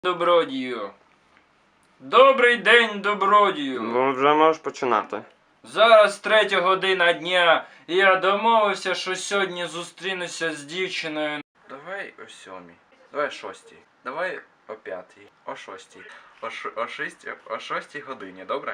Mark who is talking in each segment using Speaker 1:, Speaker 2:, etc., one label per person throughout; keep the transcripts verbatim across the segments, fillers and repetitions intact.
Speaker 1: Добродію. Добрий день, добродію.
Speaker 2: Ну, вже можеш починати.
Speaker 1: Зараз третя година дня, і я домовився, що сьогодні зустрінуся з дівчиною. Давай о сьомій, давай о шостій, давай о п'ятій, о шостій, о, ш... о, шістій, о шостій годині, добре?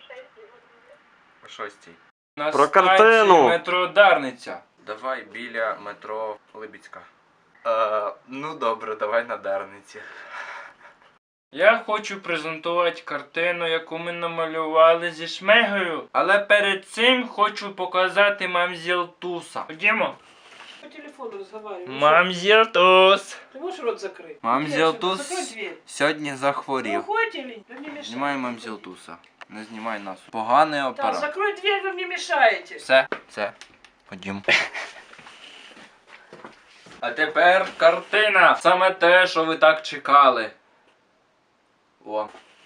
Speaker 1: О шостій. На
Speaker 2: Про
Speaker 1: станції
Speaker 2: картину.
Speaker 1: метро Дарниця. Давай біля метро Либідська. Е, ну добре, давай на Дарниці. Я хочу презентувати картину, яку ми намалювали зі Шмегою. Але перед цим хочу показати мамзел Туса. Ходімо.
Speaker 3: По телефону разговариваю.
Speaker 1: Мамзел Тус.
Speaker 3: Ты можешь рот закрыть?
Speaker 1: Мамзел
Speaker 3: Закрой
Speaker 1: Тус
Speaker 3: дверь.
Speaker 1: сьогодні
Speaker 3: Вы
Speaker 1: захворів.
Speaker 3: уходите или вы мне мешаете?
Speaker 1: Знімай мамзел Туса. Не знімай нас. Поганий
Speaker 3: Да,
Speaker 1: апарат.
Speaker 3: закрой дверь, вы мне мешаете.
Speaker 1: Все, все. Ходім. А тепер картина. Саме те, що ви так чекали. О.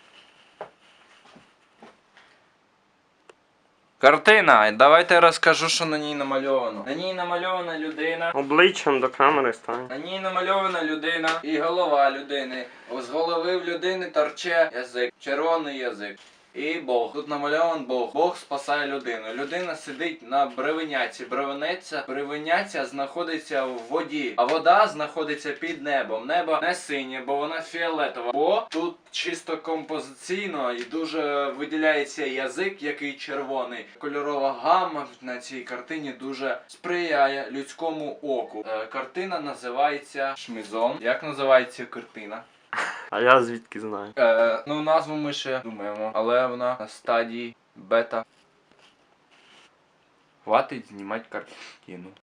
Speaker 1: Картина. Давайте я розкажу, що на ній намальовано. На ній намальована людина.
Speaker 2: Обличчям до камери стань.
Speaker 1: На ній намальована людина і голова людини. З голови в людини торче язик, червоний язик. І Бог. Тут намальован Бог. Бог спасає людину. Людина сидить на бревеняці. Бревеняця, бревеняця знаходиться в воді, а вода знаходиться під небом. Небо не синє, бо вона фіолетова. Бо тут чисто композиційно і дуже виділяється язик, який червоний. Кольорова гамма на цій картині дуже сприяє людському оку. Е, картина називається Шмизон. Як називається картина?
Speaker 2: А я звідки знаю?
Speaker 1: Е, ну, назву ми ще думаємо, але вона на стадії бета. Хватить знімати картину.